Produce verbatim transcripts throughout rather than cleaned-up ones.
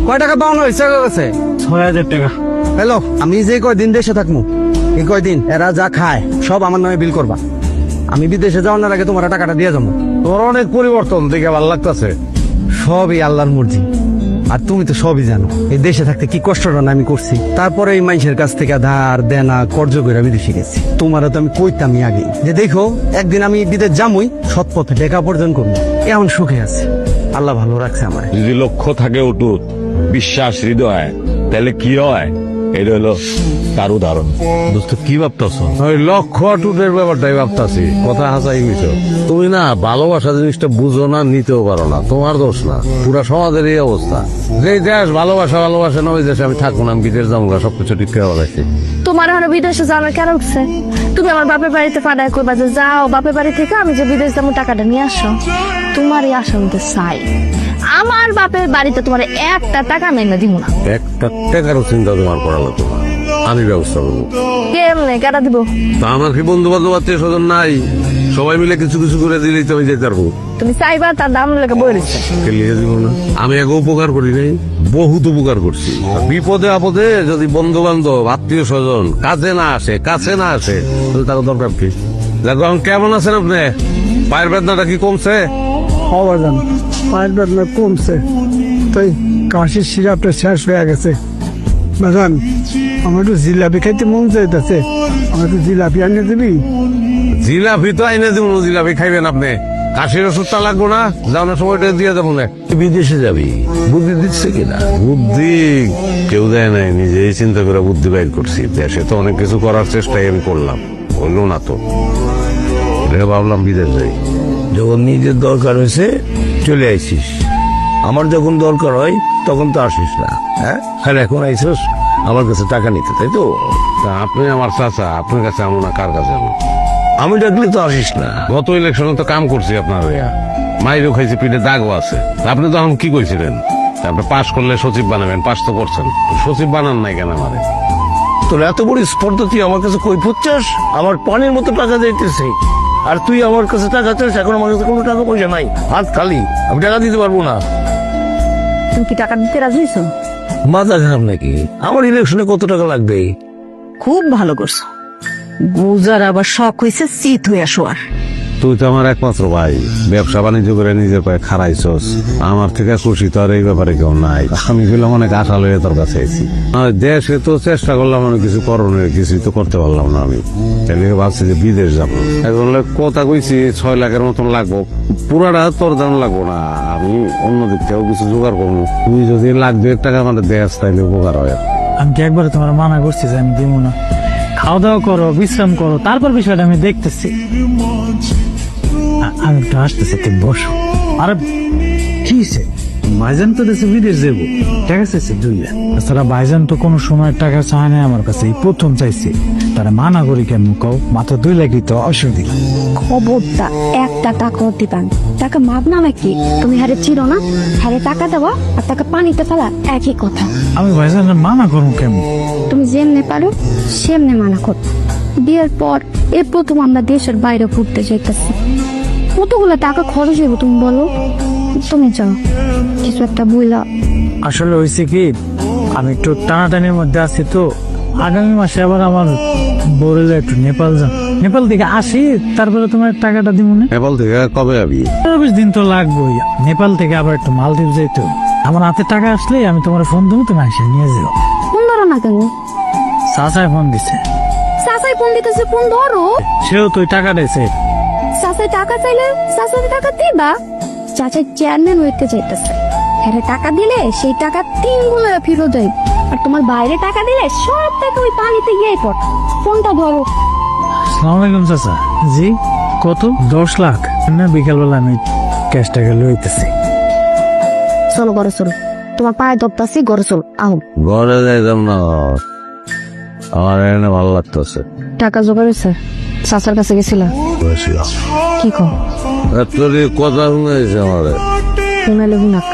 কয় টাকা পাওনা হয়েছে কাছে? ছয় হাজার টাকা। হ্যালো, আমি যে কয়দিন দেশে থাকবো এই কয়দিন এরা যা খায় সব আমার নামে বিল করবা। আমি বিদেশে যাওয়ার আগে তোমার টাকাটা দিয়ে যাবো। তোর অনেক পরিবর্তন দেখে ভালো লাগতেছে। সবই আল্লাহর মর্জি, আর তুমি তো সবই জানো এই দেশে থাকতে কি কষ্টটা না আমি করছি। তারপরে এই মানুষের কাছ থেকে ধার দেনা কর্জ করে বিদেশে গেছি। তোমারও তো আমি কইতামই আগে যে দেখো একদিন আমি বিদেশ যামই, সৎ পথে টাকা উপার্জন করবো। এমন সুখে আছে, আল্লাহ ভালো রাখছে আমার। যদি লক্ষ্য থাকে অটুট, বিশ্বাস হৃদয়, তাহলে কি হয় এটা হলো তার উদাহরণ। দোস্ত কি ভাবতেছ? ওই লক্ষ্য টুটের ব্যাপারটাই ভাবতাছি। কথা হাসাই মিছো। তুমি না ভালোবাসা জিনিসটা বুঝো না, নিতেও পারো না। তোমার দোষ না, পুরা সমাজের এই অবস্থা। যে দেশ ভালোবাসা ভালোবাসা না, ওই দেশে আমি থাকবো না, আমি বিদেশ যাবো না, সবকিছু ঠিক করে বলাইছি। তোমার এখন বিদেশে যাওয়ার কেন উঠছে? তুমি আমার বাপের বাড়িতে পাঠায় করবা যে যাও বাপের বাড়ি থেকে আমি যে বিদেশ যাবো টাকাটা নিয়ে আসো। তোমারই আসলে চাই, আমার বাপের বাড়িতে তোমার একটা টাকা মেনে দিব না। একটা টাকারও চিন্তা তোমার করা লাগতো না, আমি ব্যবস্থা করবো। কেমনে কেটা দিব? তা আমার কি বন্ধু বান্ধব আত্মীয় স্বজন নাই? সবাই মিলে কিছু কিছু করে দিলেই তো আমি যেতে পারবো। তুমি চাইবা তার দাম লেগে বই দিচ্ছে। লিখে দিব না? আমি আগে উপকার করি নাই, বহুত উপকার করছি। আর বিপদে আপদে যদি বন্ধু বান্ধব আত্মীয় স্বজন কাছে না আসে কাছে না আসে তাহলে তার দরকার কি? দেখো এখন কেমন আছেন আপনি? পায়ের বেদনাটা কি কমছে? হওয়া যান পায়ের বেদনা কমছে, তাই কাশির সিরাপটা শেষ হয়ে গেছে। বাজান আমার একটু জিলাপি খাইতে মন চাইতেছে, আমার একটু জিলাপি আনিয়ে দিবি? জিলাপি তো আইনে দিব, জিলাপি খাইবেন আপনি? কাশির ওষুধটা লাগবো না, যাওয়ার সময়টা দিয়ে যাবো না। বিদেশে যাবি, বুদ্ধি দিচ্ছে কিনা? বুদ্ধি কেউ দেয় নাই, নিজেই চিন্তা করে বুদ্ধি বাইর করছি। দেশে তো অনেক কিছু করার চেষ্টাই আমি করলাম, হইল না তো। এটা ভাবলাম বিদেশ যাই। যখন নিজের দরকার হয়েছে চলে আইসিস, আমার যখন দরকার হয় তখন তো আসিস না। হ্যাঁ, আর এখন আইসিস আমার কাছে টাকা নিতে, তাই তো? তা আপনি আমার চাচা, আপনার কাছে আমো না কার কাছে আমো? আমি ডাকলে তো আসিস না। গত ইলেকশনে তো কাম করছি আপনার হইয়া, মাইরও খাইছি, পিঠে দাগও আছে। আপনি তখন কি কইছিলেন? আপনি পাশ করলে সচিব বানাবেন, পাশ তো করছেন, সচিব বানান নাই কেন আমারে? তোর এত বড় স্পর্ধা, তুই আমার কাছে কই ফুটছাস? আমার পানির মতো টাকা দিতেছে আর তুই আমার কাছে টাকা চাস। এখন আমার কাছে কোনো টাকা পয়সা নাই, হাত খালি, আমি টাকা দিতে পারবো না। তুমি কি টাকা দিতে রাজি হইছো? মাথা খারাপ নাকি? আমার ইলেকশনে কত টাকা লাগবে? খুব ভালো করছো, গুজার আবার শখ হয়েছে চিত হইয়া শোয়ার। তুই তো আমার একমাত্র ভাই, ব্যবসা বাণিজ্য করে নিজের পায়ে খাড়াইছস। আমার থেকে খুশি তো আর এই ব্যাপারে কেউ নাই। আমি গেলাম অনেক আশা লইয়া তোর কাছে আইছি। দেশে তো চেষ্টা করলাম অনেক কিছু করণের, কিছুই তো করতে পারলাম না। আমি তাহলে ভাবছি যে বিদেশ যাবো। এখন কথা কইছি ছয় লাখের মতন লাগবো, পুরাটা তোর দাম লাগবো না, আমি অন্য দিক থেকেও কিছু জোগাড় করবো। তুই যদি লাখ দুয়েক টাকা আমাদের দেশ তাইলে উপকার হয়। আমি কি একবার তোমার মানা করছি যে আমি দিব না? খাওয়া দাওয়া করো, বিশ্রাম করো, তারপর বিষয়টা আমি দেখতেছি। আ- আমি একটু আসতেছি, তুমি বসো। আরে কি হয়েছে? ভাইজান তো দেশে বিদেশ যাবো, টাকা চাইছে দুই লাখ। তাছাড়া ভাইজান তো কোনো সময় টাকা চায় না আমার কাছে, এই প্রথম চাইছে। তারা মানা করি কেন কও? মাত্র দুই লাখই তো, অসুবিধা। খবরটা একটা টাকাও দিবান, টাকা মাপ না নাকি? তুমি হারে চিরো না, হারে টাকা দেওয়া আর টাকা পানিতে ফেলা একই কথা। আমি ভাইজান মানা করবো কেমন? তুমি যেমনে পারো সেমনে মানা কর। বিয়ের পর এ প্রথম আমরা দেশের বাইরে ঘুরতে যাইতেছি, কতগুলো টাকা খরচ হইব তুমি বলো? তুমি যাও কিছু একটা বইলা। আসলে হয়েছে কি, আমি একটু টানাটানির মধ্যে আছি তো। আগামী মাসে আবার আমার বলে একটু নেপাল যান, নেপাল থেকে আসি, তারপরে তোমার টাকাটা দিব না। নেপাল থেকে কবে যাবি? চব্বিশ দিন তো লাগবেই। নেপাল থেকে আবার একটু মালদ্বীপ যাইতে হবে। আমার হাতে টাকা আসলে আমি তোমার ফোন দেবো, তুমি আসে নিয়ে যাও। ফোন ধরো না কেন? চাচাই ফোন দিছে। চাচাই ফোন দিতেছে, ফোন ধরো। সেও তুই টাকা দিয়েছে। চাচাই টাকা চাইলে চাচাই টাকা দিবা? চাচাই চেয়ারম্যান হইতে চাইতেছে, হ্যাঁ টাকা দিলে সেই টাকা তিন গুণ ফিরত যায়। আর তোমার বাইরে টাকা দিলে সব টাকা ওই পানিতে গিয়ে পড়। ফোনটা ধরো। আসসালামু আলাইকুম চাচা। জি কত? দশ লাখ না, বিকালবেলা আমি ক্যাশ টাকা লইতেছি। চলো ঘরে চলো, তোমার পায়ে ধরতাছি, ঘরে চলো। আহ ঘরে যাইতাম না, আমার এখানে ভালো লাগতেছে। টাকা জোগাড় হয়েছে? চাচার কাছে গেছিলা? কি কো? তোর কথা শুনেছে আমাদের শুনাইলে হুনাক,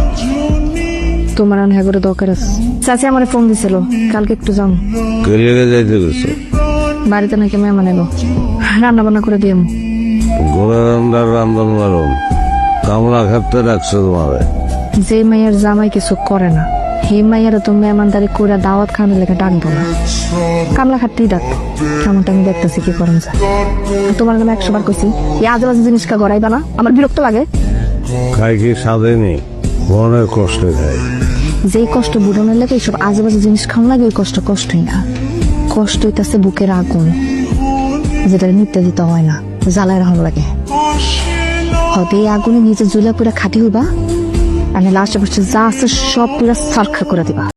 তোমার আনহা করে দরকার আছে। চাচি আমার ফোন দিছিল, কালকে একটু যাও। কে লেগে যাইতে গেছো? বাড়িতে নাকি মেহমান এলো, রান্না বান্না করে দিয়ে। ঘরে রান্নার রান্ধন বারণ, কামলা খাতে রাখছো তোমারে। যে মেয়ের জামাই কিছু করে না হে মাইয়ারা তো মেহমানদারি করে দাওয়াত খানের লেগে ডাকবো না, কামলা খাটতেই ডাকবো। কেমনটা আমি দেখতেছি কি করেন যায়। তোমার নামে একশো বার কইছি এই আজে বাজে জিনিস কা গড়াইবা না, আমার বিরক্ত লাগে। খাই কি সাজেনি মনের কষ্ট দেয়। যেই কষ্ট বুড়ানোর লাগে এইসব আজে বাজে জিনিস খাওয়া লাগে, ওই কষ্ট কষ্টই না, কষ্ট হইতাছে বুকের আগুন, যেটা নিতে দিতে হয় না, জ্বালায় রাখা লাগে। হয়তো এই আগুনে নিজে জুলা পুরা খাটি হইবা, আর লাস্টে বসে যা আছে সব পুরা সারখা করে দিবা।